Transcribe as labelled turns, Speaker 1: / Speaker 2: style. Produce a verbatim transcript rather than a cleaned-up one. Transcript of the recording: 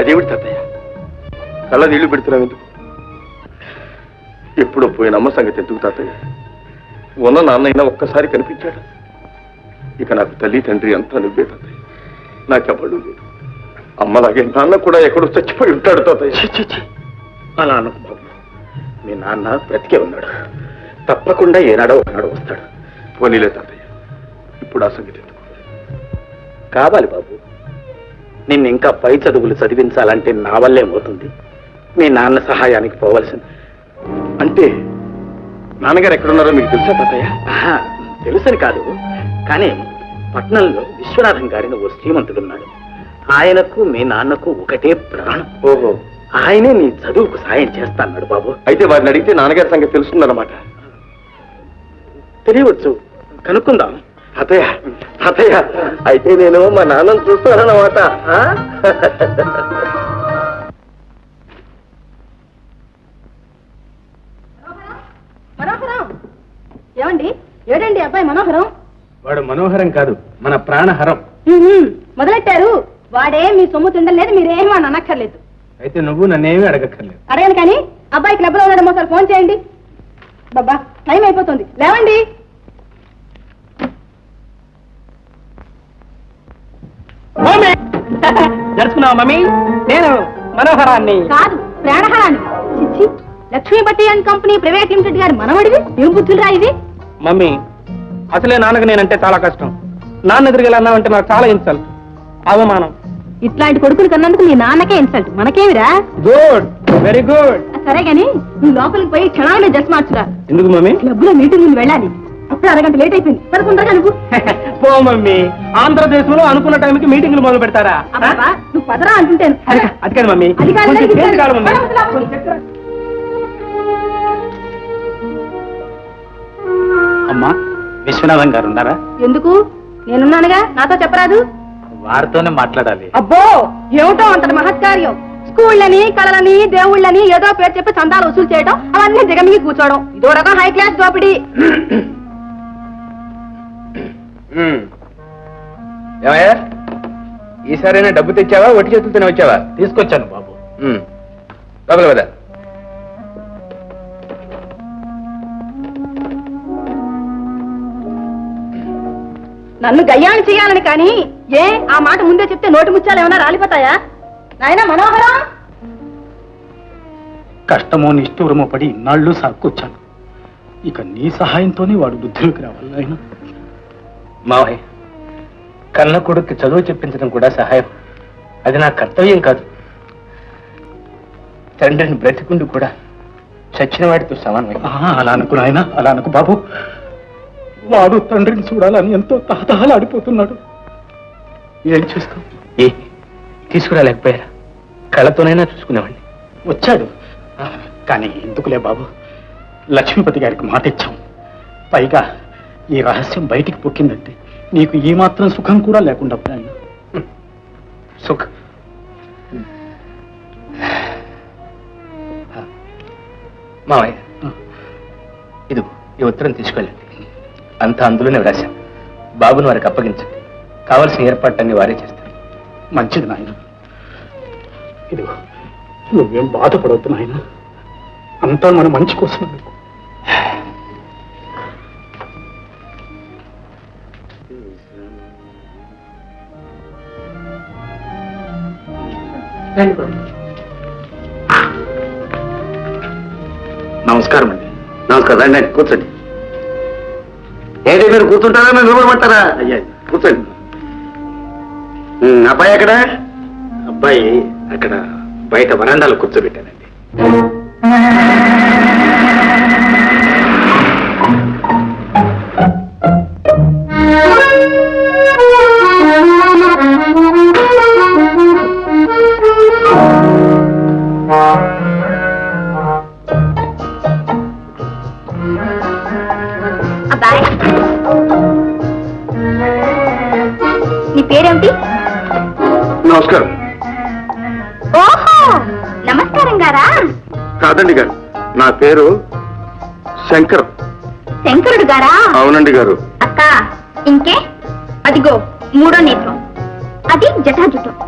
Speaker 1: అదేమిటి తాతయ్య, కళ్ళ నీళ్లు పెడుతున్నావు ఎందుకు? ఎప్పుడో పోయిన అమ్మ సంగతి ఎందుకు తాతయ్య? ఉన్న నాన్నైనా ఒక్కసారి కనిపించాడు. ఇక నాకు తల్లి తండ్రి అంతా నువ్వే తాతయ్య, నాకెవ్వడు లేదు. అమ్మలాగే నాన్న కూడా ఎక్కడో చచ్చిపోయి ఉంటాడు తాతయ్య.
Speaker 2: అలా అనకు బాబు, మీ నాన్న బ్రతికే ఉన్నాడు, తప్పకుండా ఏనాడో ఒకనాడు వస్తాడు.
Speaker 1: పోనీలే తాతయ్య, ఇప్పుడు ఆ సంగతి ఎందుకు?
Speaker 2: కావాలి బాబు, నిన్ను ఇంకా పై చదువులు చదివించాలంటే నా వల్లే పోతుంది. మీ నాన్న సహాయానికి పోవలసింది.
Speaker 1: అంటే నాన్నగారు ఎక్కడున్నారో మీకు తెలుసా తాతయ్య?
Speaker 2: తెలుసని కాదు, కానీ పట్నంలో విశ్వనాథం గారిని ఓ శ్రీమంతుడున్నాడు. ఆయనకు మీ నాన్నకు ఒకటే ప్రాణం.
Speaker 1: ఓహో,
Speaker 2: ఆయనే నీ చదువుకు సాయం చేస్తాన్నాడు బాబు.
Speaker 1: అయితే వారిని అడిగితే నాన్నగారి సంగతి తెలుస్తుందన్నమాట.
Speaker 2: తెలియవచ్చు, కనుక్కుందాం.
Speaker 1: తాతయ్య తాతయ్య, అయితే నేను మా నాన్నను చూస్తానన్నమాట.
Speaker 3: మనోహరం ఏమండి? ఏడండి అబ్బాయి మనోహరం?
Speaker 2: వాడు మనోహరం కాదు, మన ప్రాణహరం.
Speaker 3: మొదలెట్టారు. వాడే మీ సొమ్ము తిండలేదు, మీరేమీ అని అనక్కర్లేదు.
Speaker 2: అయితే నువ్వు నన్నేమీ అడగక్కర్లేదు.
Speaker 3: అడగను కానీ అబ్బాయి క్లబ్ లో ఉన్నాడేమో సార్, ఫోన్ చేయండి. బాబా టైం అయిపోతుంది, లేవండి.
Speaker 2: జరుచుకున్నావా మమ్మీ? నేను మనోహరాన్ని
Speaker 3: కాదు, ప్రాణహరాన్ని. చిచ్చి, Lakshmipati and company private limited గారి మనవడివి. ఏం బుద్ధులురా ఇది?
Speaker 2: మమ్మీ, అసలే నాన్నకు నేనంటే చాలా కష్టం. నాన్న ఎదురుగా అన్నావంటే నాకు చాలా ఇన్సల్ట్, అవమానం.
Speaker 3: ఇట్లాంటి కొడుకులు కన్నందుకు నీ నాన్నకే ఇన్సల్ట్, మనకేమిరా?
Speaker 2: Good, very good.
Speaker 3: సరే గాని నువ్వు లోపలికి పోయి క్షణాలనే డ్రెస్ మార్చురా.
Speaker 2: ఎందుకు మమ్మీ?
Speaker 3: క్లబ్ లో మీటింగ్ ముందు వెళ్ళాలి. అప్పుడు అరగంట లేట్ అయిపోయింది. పదకొండగా నువ్వు
Speaker 2: పో మమ్మీ, ఆంధ్రదేశంలో అనుకున్న టైంకి మీటింగ్లు మొదలు పెడతారా?
Speaker 3: అబ్బా, నువ్వు పదరా అంటుంటాను.
Speaker 2: అది కాదు మమ్మీ,
Speaker 3: అది కాదు,
Speaker 2: కొంచెం
Speaker 3: అది
Speaker 2: చేతి కాదు మమ్మీ.
Speaker 3: కాదు.
Speaker 2: అమ్మా, విశ్వనాథం గారు ఉన్నారా?
Speaker 3: ఎందుకు? నేనున్నానుగా, నాతో చెప్పరాదు?
Speaker 2: వారితోనే మాట్లాడాలి.
Speaker 3: అబ్బో, ఏమిటో అంతటి మహత్కార్యం. స్కూళ్ళని, కళలని, దేవుళ్ళని ఏదో పేరు చెప్పి చందాలు వసూలు చేయడం, అవన్నీ దిగమిగి కూర్చోవడం, ఇదో రకం హై క్లాస్ దోపిడీ.
Speaker 2: ఏమయ్యా, ఈసారైనా డబ్బు తెచ్చావా, ఒట్టి చేతులతోనే వచ్చావా? తీసుకొచ్చాను బాబు. లోపల కదా.
Speaker 3: నన్ను గయ్యాన్ని చేయాలని కానీ ఏ ఆ మాట ముందే చెప్తే నోటి ముత్యాలు ఏమైనా రాలిపోతాయా? నాయనా మనోహరం,
Speaker 2: కష్టమో నిష్ఠూరమో పడి ఇన్నాళ్ళు సాక్కొచ్చాను. ఇక నీ సహాయంతోనే వాడు బుద్ధిలోకి రావాలి. ఆయన మావయ్య, కన్న కొడుక్కి చదువు చెప్పించడం కూడా సహాయం. అది నా కర్తవ్యం కాదు. తండ్రిని బ్రతికుండు కూడా చచ్చిన వాడితో సమానమే. అలా అనుకు నాయన, అలా అనుకు బాబు. వాడు తండ్రిని చూడాలని ఎంతో తహతహలాడిపోతున్నాడు. ఏం చేస్తాం? ఏ తీసుకురాలేకపోయారా? కళ్ళతోనైనా చూసుకునేవాడిని. వచ్చాడు కానీ ఎందుకులే బాబు, లక్ష్మీపతి గారికి మాట ఇచ్చాం. పైగా ఈ రహస్యం బయటికి పొక్కిందంటే నీకు ఈ మాత్రం సుఖం కూడా లేకుండా పోయాను. సుఖ మావయ్య, ఇది ఈ ఉత్తరం తీసుకెళ్ళండి. అంతా అందులోనే వ్రాశాం. బాబుని వారికి అప్పగించండి. కావలసిన ఏర్పాట్లన్నీ వారే చేస్తారు. మంచిది నాయన. ఇదిగో, నువ్వేం బాధపడవద్దు నాయన, అంతా మన మంచి కోసం. నమస్కారం అండి.
Speaker 1: నమస్కారం, రండి కూర్చోండి. ఏంటి మీరు కూర్చుంటారా, మీరు నిలబడమంటారా?
Speaker 2: అయ్యా
Speaker 1: కూర్చోండి. అబ్బాయి ఎక్కడ?
Speaker 2: అబ్బాయి అక్కడ బయట వరండాలో కూర్చోబెట్టానండి.
Speaker 3: అబ్బాయి, నీ పేరేమిటి?
Speaker 1: నమస్కారం.
Speaker 3: ఓహో, నమస్కారం గారా?
Speaker 1: కాదండి గారు, నా పేరు శంకర్.
Speaker 3: శంకరుడు గారా?
Speaker 1: అవునండి గారు.
Speaker 3: అక్క, ఇంకే? అదిగో మూడో నేత్రం, అది జటాజుటం.